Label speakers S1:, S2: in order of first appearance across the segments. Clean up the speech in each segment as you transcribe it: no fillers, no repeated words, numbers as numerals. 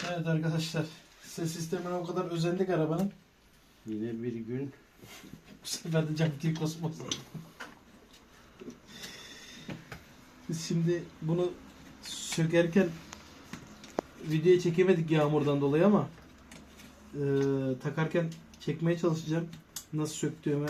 S1: Evet arkadaşlar, ses sistemine o kadar özendik arabanın.
S2: Yine bir gün
S1: Bu sefer de cam değil kosmos. Biz şimdi bunu sökerken videoya çekemedik yağmurdan dolayı ama takarken çekmeye çalışacağım. Nasıl söktüğümü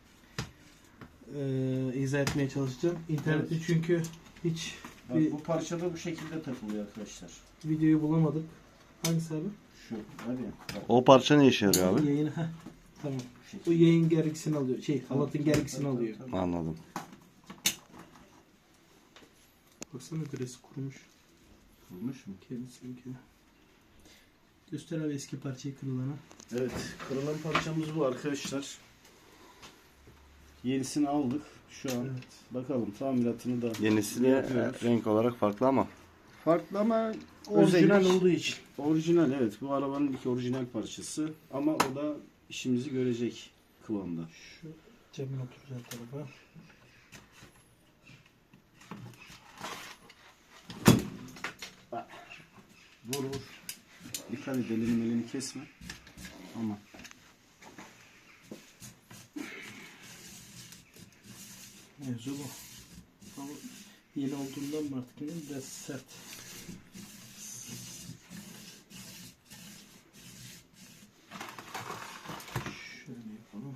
S1: izah etmeye çalışacağım. İnternette
S2: Evet.
S1: çünkü hiç bir
S2: bu parça da bu şekilde takılıyor arkadaşlar.
S1: videoyu bulamadık. Hangisi abi?
S2: Şu hadi. Bak,
S3: O parça ne işe yarıyor abi?
S1: Yayını. Tamam.
S2: bu şekilde.
S1: Bu yayın gergisini alıyor. Halatın gergisini
S2: Tamam,
S1: alıyor.
S2: tamam.
S3: Anladım.
S1: Baksana gresi kurumuş.
S2: Kurmuş mu?
S1: Kendisinkini. Göster abi eski parçayı kırılanı.
S2: Evet, kırılan parçamız bu arkadaşlar. Yenisini aldık. Şu an
S1: Evet.
S2: bakalım tamiratını da
S3: Yenisi de
S2: yapıyoruz.
S3: renk olarak farklı ama.
S2: Farklı ama
S1: Orijinal
S2: özellik-
S1: olduğu için.
S2: Orijinal, evet. Bu arabanın ilk orijinal parçası. Ama o da işimizi görecek kıvamda.
S1: Şu camın oturacağı tarafa.
S2: Vur vur. Dikkat et, elini kesme. Ama
S1: Mevzu bu. Ama yeni olduğundan mı artık bilmiyorum, biraz sert. Şöyle yapalım.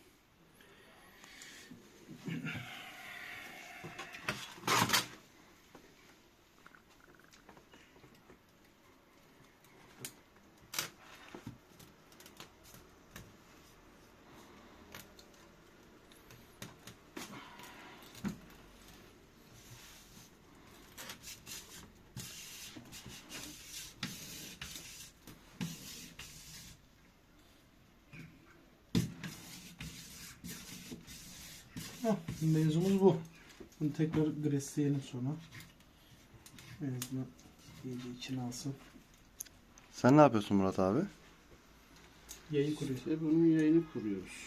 S1: Mevzumuz bu. Bunu tekrar gresleyelim sonra. En azından iyice içine alsın.
S3: Sen ne yapıyorsun Murat abi?
S1: Yayı kuruyor.
S2: işte bunun yayını kuruyoruz.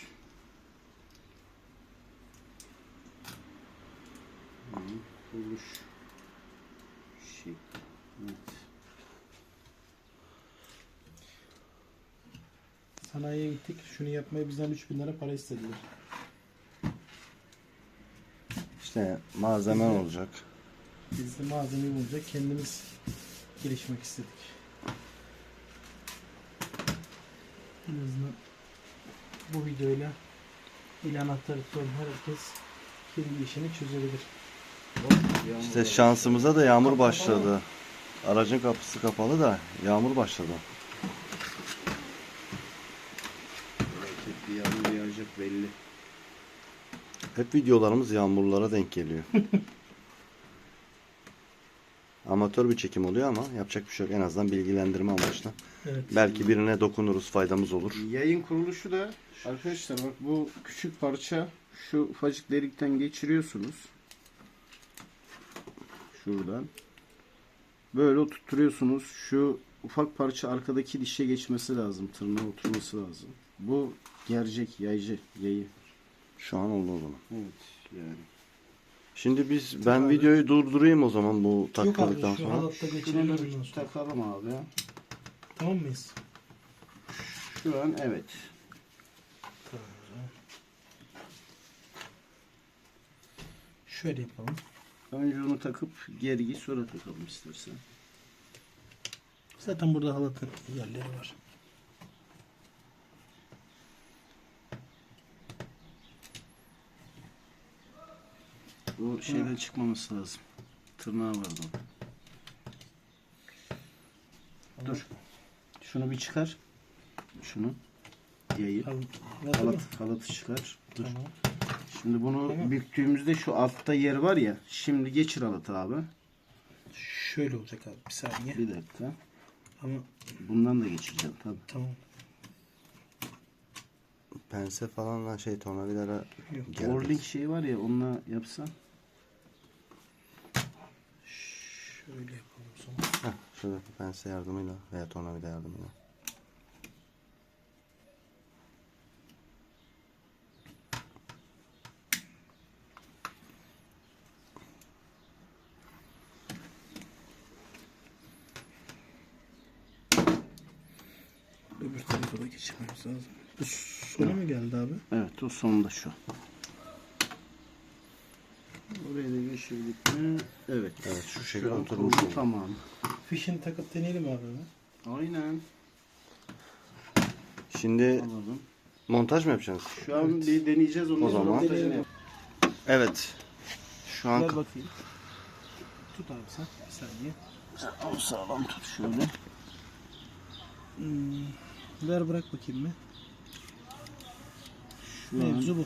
S2: Kuruluş şekli. Evet.
S1: Sanayiye gittik. Şunu yapmaya bizden 3.000 lira para istediler.
S3: İşte malzemen olacak.
S1: Biz de malzemeyi bulunca kendimiz gelişmek istedik. En azından bu videoyla il anahtarı tutan herkes kendi işini çözebilir.
S3: İşte şansımıza da yağmur başladı. Aracın kapısı kapalı da yağmur başladı.
S2: Bir yağmur yağacak belli.
S3: Hep videolarımız yağmurlara denk geliyor. Amatör bir çekim oluyor ama yapacak bir şey yok. En azından bilgilendirme amaçlı.
S1: Evet.
S3: Belki birine dokunuruz, faydamız olur.
S2: Yayın kuruluşu da arkadaşlar, bak bu küçük parça şu ufacık delikten geçiriyorsunuz. Şuradan. Böyle oturtuyorsunuz. Şu ufak parça arkadaki dişe geçmesi lazım. Tırnağa oturması lazım. Bu gercek, yayı.
S3: Şu an oldu o zaman.
S2: Evet yani.
S3: Şimdi ben videoyu durdurayım o zaman bu
S1: Yok abi
S3: takıldıktan
S1: şu
S3: sonra.
S1: halatta
S2: Şunu
S1: geçelim
S2: da
S1: ondan
S2: bir
S1: sonra.
S2: takalım abi.
S1: Tamam mıyız?
S2: Şu an evet.
S1: Tamam o zaman. Şöyle yapalım.
S2: Önce onu takıp gergi sonra takalım istersen.
S1: Zaten burada halatın yerleri var.
S2: Bu şeyden çıkmaması lazım. Tırnağı vardı orada. Dur. Şunu bir çıkar. Şunu. Yayı. Halatı çıkar. Dur.
S1: Tamam.
S2: Şimdi bunu
S1: Tamam.
S2: büktüğümüzde şu altta yer var ya. Şimdi geçir halatı abi.
S1: Şöyle olacak abi, bir saniye.
S2: Bir dakika.
S1: Ama
S2: Bundan da geçireceğim tabii.
S1: tamam.
S3: Pense falanla tornavidara
S1: Yok.
S3: geldi.
S2: Orlink şey var ya, onunla yapsan.
S1: Şöyle yapalım o zaman.
S3: Heh, şurada pense yardımıyla veya tornavida yardımıyla.
S1: Öbür tarafa da geçirmemiz lazım. Bu sona mı geldi abi?
S2: Evet, o sonunda şu. Oraya da geçirdik mi? Evet.
S3: Evet şu
S2: Şu
S3: şekilde
S2: an
S3: oturmuş
S2: kurulu,
S3: oldu.
S2: tamam.
S1: Fişini takıp deneyelim abi.
S2: Aynen.
S3: Şimdi
S2: Alalım.
S3: montaj mı yapacağız?
S2: Şu an bir deneyeceğiz onu.
S3: O zaman. Evet. Şu an
S1: Ver bakayım. Tut abi sen. Bir saniye.
S2: O sağlam tut şöyle.
S1: Ver bırak bakayım mı?
S2: Şu an
S1: Mevzu bu.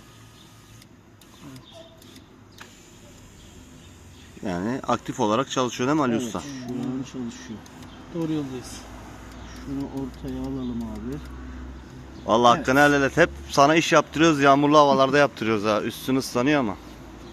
S3: yani aktif olarak çalışıyor değil mi Ali
S2: evet,
S3: Usta?
S2: şu an çalışıyor.
S1: Doğru yoldayız.
S2: Şunu ortaya alalım abi.
S3: Vallahi
S2: Evet.
S3: hakkını helal et. Hep sana iş yaptırıyoruz. Yağmurlu havalarda yaptırıyoruz ha. Üstün ıslanıyor ama.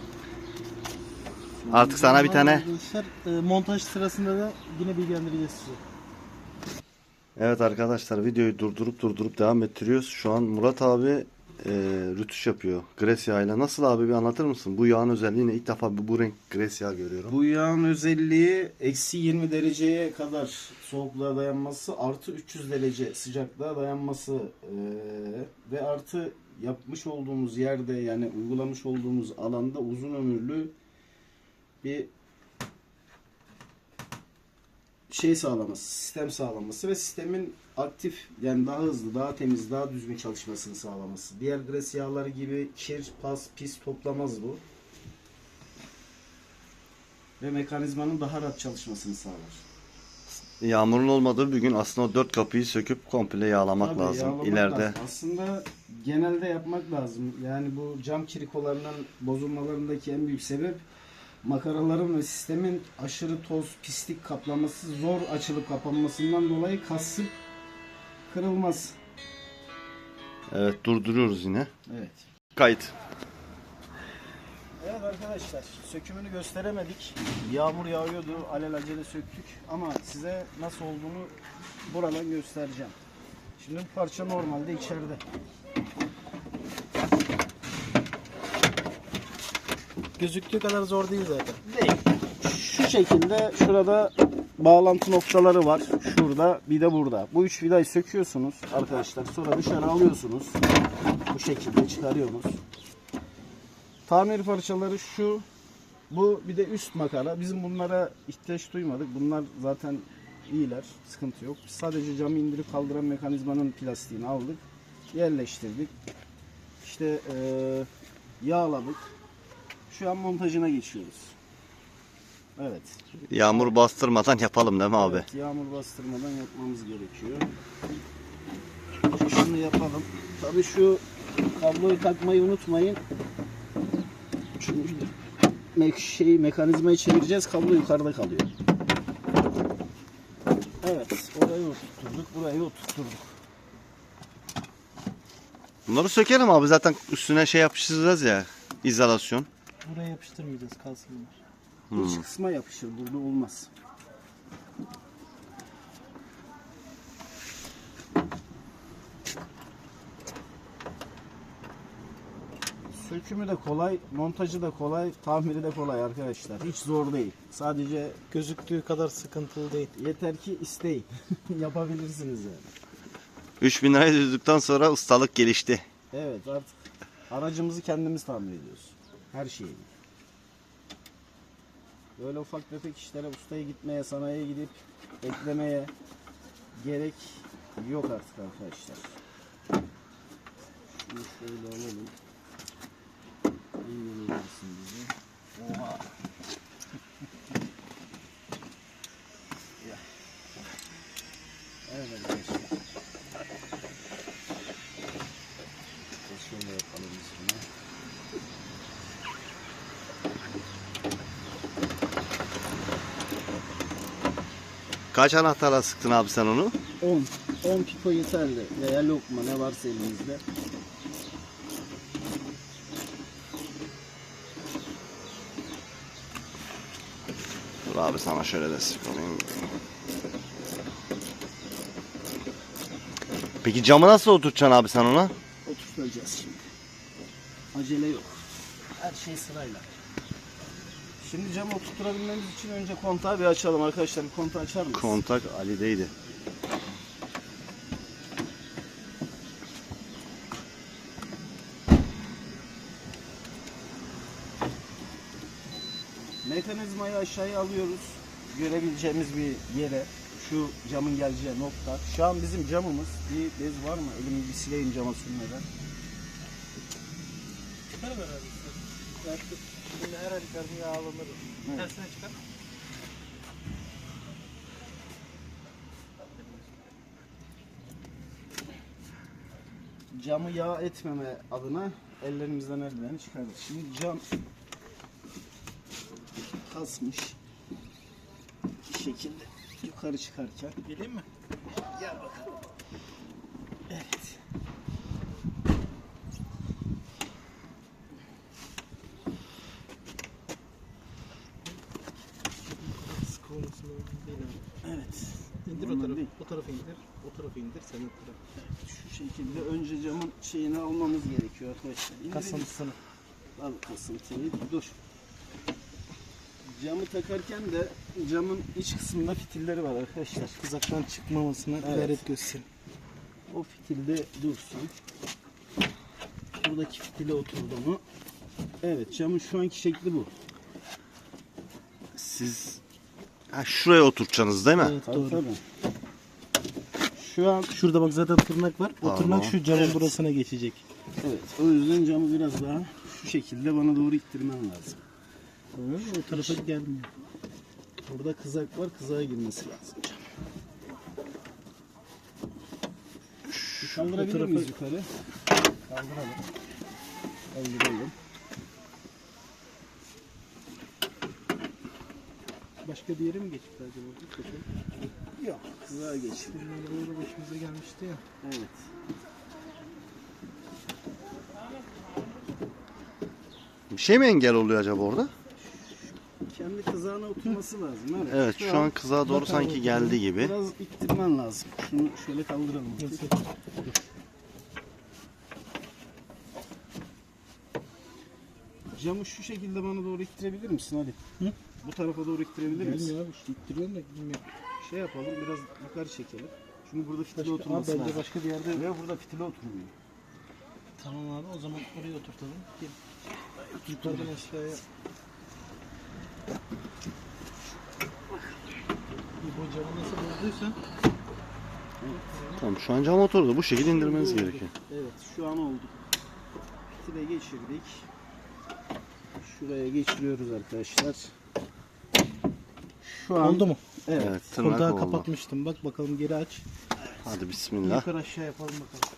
S3: Artık sana bir tane.
S1: Arkadaşlar montaj sırasında da yine bilgilendireceğiz sizi.
S3: Evet arkadaşlar videoyu durdurup devam ettiriyoruz. Şu an Murat abi rütüş yapıyor. Gres yağıyla. Nasıl abi bir anlatır mısın? Bu yağın özelliği ne? İlk defa bu renk gres yağı görüyorum.
S2: Bu yağın özelliği eksi 20 dereceye kadar soğukluğa dayanması, artı 300 derece sıcaklığa dayanması ve artı yapmış olduğumuz yerde, yani uygulamış olduğumuz alanda uzun ömürlü bir şey sağlaması, sistem sağlaması ve sistemin aktif, yani daha hızlı, daha temiz, daha düzgün çalışmasını sağlaması. Diğer gres yağları gibi kir, pas, pis toplamaz bu. Ve mekanizmanın daha rahat çalışmasını sağlar.
S3: Yağmurun olmadığı bir gün aslında o 4 kapıyı söküp komple yağlamak
S2: Tabii,
S3: lazım.
S2: yağlamak
S3: İleride
S2: lazım. Aslında genelde yapmak lazım. Yani bu cam kirikolarının bozulmalarındaki en büyük sebep makaraların ve sistemin aşırı toz, pislik kaplaması, zor açılıp kapanmasından dolayı kasıp kırılmaz.
S3: evet durduruyoruz yine.
S2: Evet.
S3: Kayıt.
S2: Evet arkadaşlar, sökümünü gösteremedik. Yağmur yağıyordu, alelacele söktük ama size nasıl olduğunu buradan göstereceğim. Şimdi bu parça normalde içeride.
S1: Gözüktüğü kadar zor değil zaten.
S2: Değil. Şu şekilde şurada bağlantı noktaları var. Şurada bir de burada. Bu üç vidayı söküyorsunuz arkadaşlar. Sonra dışarı alıyorsunuz. Bu şekilde çıkarıyorsunuz. Tamir parçaları şu. Bu bir de üst makara. Bizim bunlara ihtiyaç duymadık. Bunlar zaten iyiler. Sıkıntı yok. Biz sadece camı indirip kaldıran mekanizmanın plastiğini aldık. Yerleştirdik. İşte yağladık. Şu an montajına geçiyoruz. Evet.
S3: Yağmur bastırmadan yapalım değil mi abi?
S2: Evet, yağmur bastırmadan yapmamız gerekiyor. Şunu yapalım. Tabii şu kabloyu takmayı unutmayın. Çünkü mekanizmayı çevireceğiz. Kablo yukarıda kalıyor. Evet, orayı oturtturduk, burayı oturtturduk.
S3: Bunları sökelim abi, zaten üstüne şey yapıştıracağız ya, izolasyon.
S1: Buraya yapıştırmayacağız, kalsın bunlar.
S2: İç kısma yapışır, burada olmaz. Sökümü de kolay, montajı da kolay, tamiri de kolay arkadaşlar. Hiç zor değil. Sadece
S1: Gözüktüğü kadar sıkıntılı değil.
S2: yeter ki isteyin. Yapabilirsiniz yani.
S3: 3000 lirayı düzdükten sonra ustalık gelişti.
S2: Evet, artık aracımızı kendimiz tamir ediyoruz. Her şeyi. Böyle ufak tefek işlere ustaya gitmeye, sanayiye gidip eklemeye gerek yok artık arkadaşlar. Şunu şöyle alalım. İnanılmazsın bizi. Oha. Ya. Evet arkadaşlar. Şöyle yapalım biz bunu.
S3: Kaç anahtarla sıktın abi sen onu?
S2: 10 pipo yeterli veya lokma, ne varsa elinizde.
S3: Dur abi sana şöyle destek olayım. Peki camı nasıl oturtacaksın abi sen ona?
S2: Oturtacağız şimdi. Acele yok. Her şey sırayla. Şimdi camı oturtturabilmemiz için önce kontağı bir açalım arkadaşlar. Bir kontağı açar mısınız?
S3: Kontak Ali'deydi.
S2: mekanizmayı aşağıya alıyoruz. Görebileceğimiz bir yere. Şu camın geleceği nokta. Şu an bizim camımız. Bir bez var mı? Elimi bir sileyim cama sürmeden.
S1: Çıkar beraber. Şimdi her halükarda yağ alınır.
S2: Evet.
S1: Tersine çıkar.
S2: Camı yağ etmeme adına ellerimizden eldiveni çıkardık. Şimdi cam kasmış. Bir şekilde yukarı çıkarken.
S1: Geleyim mi?
S2: Gel bakalım. Evet.
S1: Sıkı olması lazım değil abi.
S2: Evet.
S1: İndir o
S2: Ondan
S1: tarafı.
S2: değil.
S1: O tarafı indir. O tarafı indir. Sen o tarafı.
S2: Şu şekilde önce camın şeyini almamız gerekiyor arkadaşlar. İndirelim.
S1: Kasıntısını.
S2: Al kasıntıyı. Dur. Camı takarken de camın iç kısmında fitilleri var arkadaşlar.
S1: Kızaktan çıkmamasına
S2: Evet.
S1: gayret gösterin.
S2: O fitilde dursun. Buradaki fitile oturdu mu? Evet, camın şu anki şekli bu.
S3: Siz şuraya oturtacaksınız değil mi?
S1: Evet
S2: Tabii,
S1: doğru.
S2: tabii. Şu an
S1: Şurada bak zaten tırnak var. O
S3: Tamam.
S1: tırnak şu camın burasına geçecek.
S2: evet, o yüzden camı biraz daha şu şekilde bana doğru ittirmem lazım.
S1: O tarafa gelmiyor.
S2: Burada kızak var, kızağa girmesi lazım cam. Kaldırabilir
S1: tarafa-
S2: miyiz yukarı? Kaldıralım. Kaldıralım.
S1: Başka bir yere mi geçti acaba?
S2: Yok, kızağa geç.
S1: Bunlar böyle başımıza gelmişti ya.
S2: Evet.
S3: Bir şey mi engel oluyor acaba orada?
S2: Kendi kızağına oturması lazım. Evet,
S3: Evet şu an kızağa doğru sanki geldi gibi.
S2: biraz ittirmen lazım. Şunu şöyle kaldıralım.
S1: Nasıl?
S2: Camı şu şekilde bana doğru ittirebilir misin hadi?
S1: Hı?
S2: Bu tarafa doğru ittirebilir misin?
S1: Gelmiyor abi. İşte ittiriyorum da bilmiyorum.
S2: Şey yapalım, biraz yukarı çekelim. Çünkü burada fitile
S1: Başka, abi
S2: oturması
S1: bence
S2: lazım.
S1: başka bir yerde.
S2: Ve burada fitile oturmuyor.
S1: Tamam abi o zaman oraya oturtalım. Gel. Yukarıdan aşağıya. Bu camı nasıl bozduysan
S3: Tamam şu an cam oturdu. Bu şekilde indirmeniz gerekiyor.
S2: Evet, şu an oldu. Fitile geçirdik. Şuraya geçiriyoruz arkadaşlar. Şu an
S1: oldu mu?
S2: Evet.
S3: Evet tırnak
S1: Kontağı
S3: oldu.
S1: kapatmıştım. Bak bakalım geri aç.
S3: Hadi bismillah.
S1: Yukarı aşağı yapalım bakalım.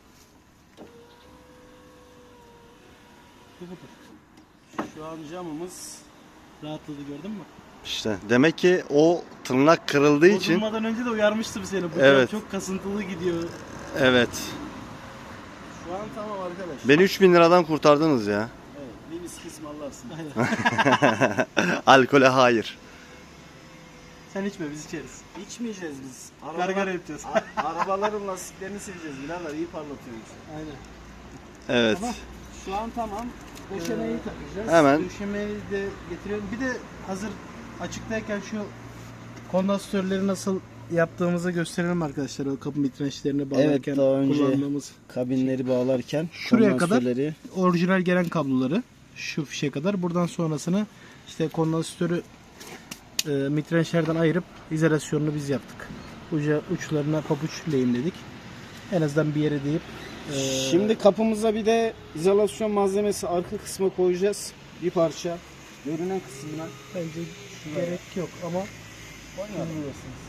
S1: Bu budur.
S2: Şu an camımız
S1: Rahatladı gördün mü?
S3: İşte demek ki o tırnak kırıldığı için
S1: Bozulmadan önce de uyarmıştım seni. Bu
S3: Evet.
S1: cam çok kasıntılı gidiyor.
S3: evet.
S2: şu an tamam arkadaşlar.
S3: Beni 3000 liradan kurtardınız ya.
S2: Evet, bir viski ısmarlarsın.
S1: Aynen.
S3: Alkole hayır.
S1: Sen içme biz içeriz.
S2: İçmeyeceğiz biz.
S1: Gargara yapacağız.
S2: Arabaların lastiklerini sileceğiz. Birader iyi parlatıyoruz.
S1: Aynen.
S3: Evet.
S1: Tamam.
S2: Şu an tamam.
S1: Döşemeyi takacağız.
S3: Hemen.
S1: Döşemeyi de getiriyorum. Bir de hazır açıktayken şu kondansatörleri nasıl yaptığımızı gösterelim arkadaşlar. O kapı mitrençlerini bağlarken
S2: daha önce
S1: kullandığımız
S2: kabinleri bağlarken
S1: Şuraya kadar
S2: kondansörleri-
S1: orijinal gelen kabloları şu fişe kadar. Buradan sonrasını işte kondansatörü mitrençlerden ayırıp izolasyonunu biz yaptık. Uçlarına pabuç lehimledik. En azından bir yere deyip
S2: Şimdi kapımıza bir de izolasyon malzemesi arka kısma koyacağız. Bir parça. Görünen kısmına.
S1: bence gerek yok ama
S2: Koymayalım.
S1: bilmiyorsunuz.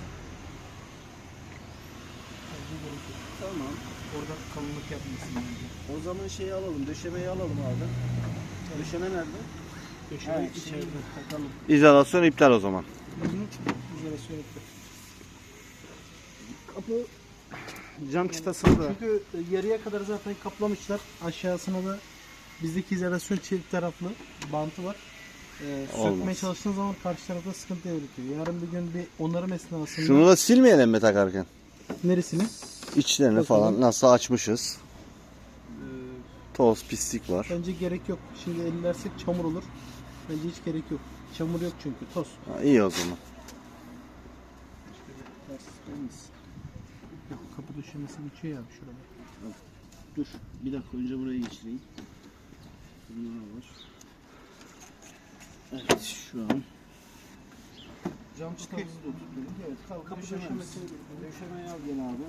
S2: Tamam.
S1: Orada kalınlık yapmasın bence.
S2: O zaman şeyi alalım. Döşemeyi alalım abi. Döşeme nerede?
S1: Köşede
S2: Evet,
S1: içeride.
S2: takalım.
S3: İzolasyon iptal o zaman.
S1: İzolasyon yaptı.
S2: Kapı cam çıtasını da
S1: Çünkü yarıya kadar zaten kaplamışlar. Aşağısına da bizdeki izolasyon çift taraflı bantı var. Sökmeye
S3: Olmaz.
S1: çalıştığın zaman karşı tarafta sıkıntı yaratıyor. Yarın bir gün bir onarım esnasında
S3: Şunu da silmeyelim mi takarken?
S1: neresini?
S3: İçlerini
S1: Bakalım.
S3: falan nasıl açmışız. Toz pislik var.
S1: Bence gerek yok. Şimdi ellersek çamur olur. Bence hiç gerek yok. Çamur yok çünkü toz.
S3: Ha, iyi o zaman.
S1: Yok, kapı döşemesi geçiyor ya abi şurada.
S2: dur. Bir dakika önce burayı geçireyim. Bunlar var. Evet şu an Cam çıtamızı da oturttuk. Evet, kapı döşemeyi al gel abi.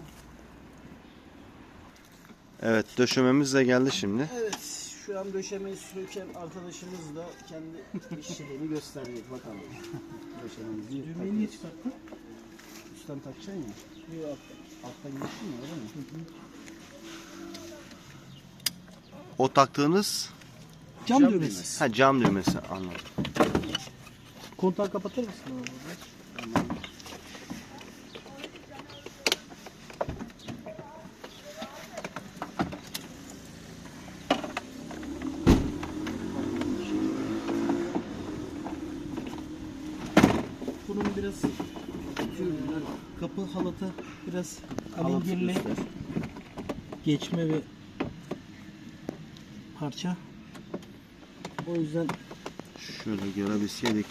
S3: Evet, döşememiz de geldi şimdi.
S2: Evet, şu an döşemeyi söken arkadaşımız da kendi işçiliğini gösterecek bakalım. Döşememizi
S1: Düğmeyi niye çıkarttın?
S2: üstten takacaksın ya.
S1: Yok.
S2: Alttan geçtin ya, öyle mi?
S3: O taktığınız
S1: Cam düğmesi.
S3: cam düğmesi, anladım.
S1: Kontağı kapatır mısın abi? Bunun biraz kapı halatı biraz alengirli geçme ve parça. O yüzden
S3: Şöyle görebilseydik.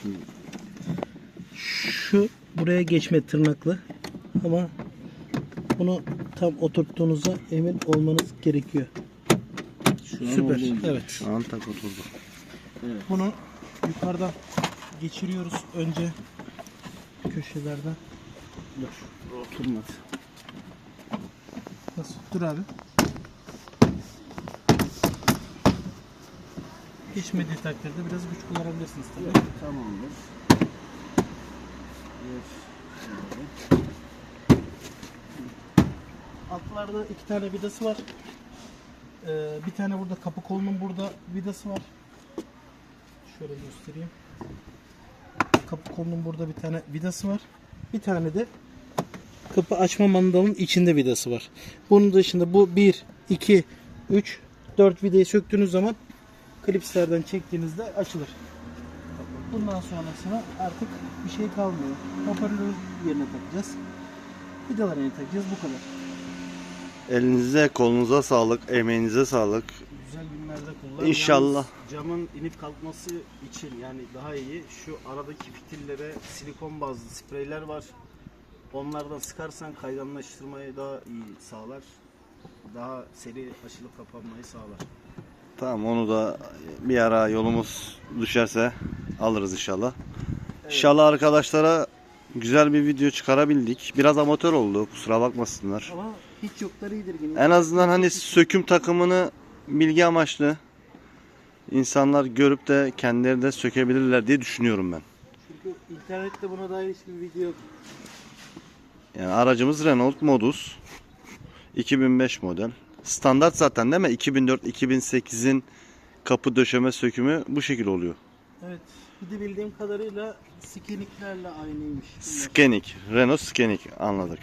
S1: şu buraya geçme tırnaklı ama bunu tam oturttuğunuzda emin olmanız gerekiyor.
S2: Şu an
S1: Süper.
S2: olduğu gibi.
S1: Evet.
S3: Şu an tak oturdu.
S1: Bunu yukarıdan geçiriyoruz önce köşelerden.
S2: Dur. Oturmadı.
S1: Nasıl? Dur abi. Geçmediği takdirde biraz güç kullanabilirsiniz tabii.
S2: Tamamdır.
S1: Altlarda 2 tane vidası var. Bir tane burada kapı kolunun burada vidası var. Şöyle göstereyim. Kapı kolunun burada bir tane vidası var. Bir tane de kapı açma mandalının içinde vidası var. Bunun dışında bu 1, 2, 3, 4 vidayı söktüğünüz zaman klipslerden çektiğinizde açılır. Bundan sonrasına artık bir şey kalmıyor. Hoparlörü yerine takacağız. Vidaları yerine takacağız. Bu kadar.
S3: Elinize, kolunuza sağlık, emeğinize sağlık.
S2: Güzel günlerde kullan.
S3: İnşallah.
S2: Yalnız camın inip kalkması için yani daha iyi. Şu aradaki fitillere silikon bazlı spreyler var. Onlardan sıkarsan kayganlaştırmayı daha iyi sağlar. Daha seri açılıp kapanmayı sağlar.
S3: Tamam, onu da bir ara yolumuz düşerse alırız inşallah. İnşallah arkadaşlara güzel bir video çıkarabildik. Biraz amatör oldu, kusura bakmasınlar.
S2: Ama hiç yokları iyidir yine.
S3: En azından hani söküm takımını bilgi amaçlı insanlar görüp de kendileri de sökebilirler diye düşünüyorum ben.
S2: Çünkü internette buna dair hiçbir video yok.
S3: Yani aracımız Renault Modus 2005 model. Standart zaten değil mi? 2004-2008'in kapı döşeme sökümü bu şekil oluyor.
S1: Evet. Bir de bildiğim kadarıyla skeniklerle aynıymış.
S3: Skenik, Renault Skenik, anladık.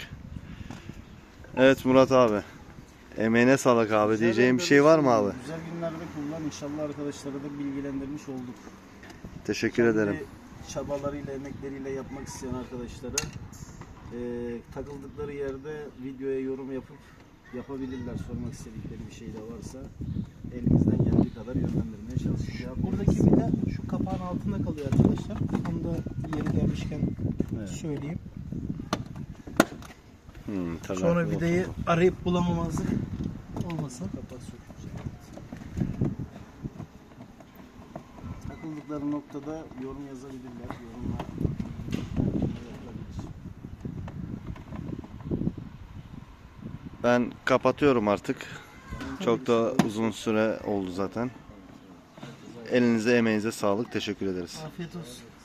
S3: Evet Murat abi. Emeğine sağlık abi. Diyeceğim bir şey var mı abi?
S2: Güzel günlerde kullan. İnşallah arkadaşlara da bilgilendirmiş olduk.
S3: Teşekkür ederim.
S2: Kendi çabalarıyla, emekleriyle yapmak isteyen arkadaşlara takıldıkları yerde videoya yorum yapıp yapabilirler. Sormak istedikleri bir şey de varsa elimizden geldiği kadar yönlendirmeye çalışacağız.
S1: Buradaki vida şu kapağın altında kalıyor arkadaşlar. Onu da yeri gelmişken söyleyeyim. Sonra vidayı arayıp bulamamazlık olmasın.
S2: Kapak sökülecek. Takıldıkları noktada yorum yazabilirler. Yorumlar yapılabilir.
S3: Ben kapatıyorum artık. Çok da uzun süre oldu zaten. Elinize emeğinize sağlık. Teşekkür ederiz.
S1: Afiyet olsun.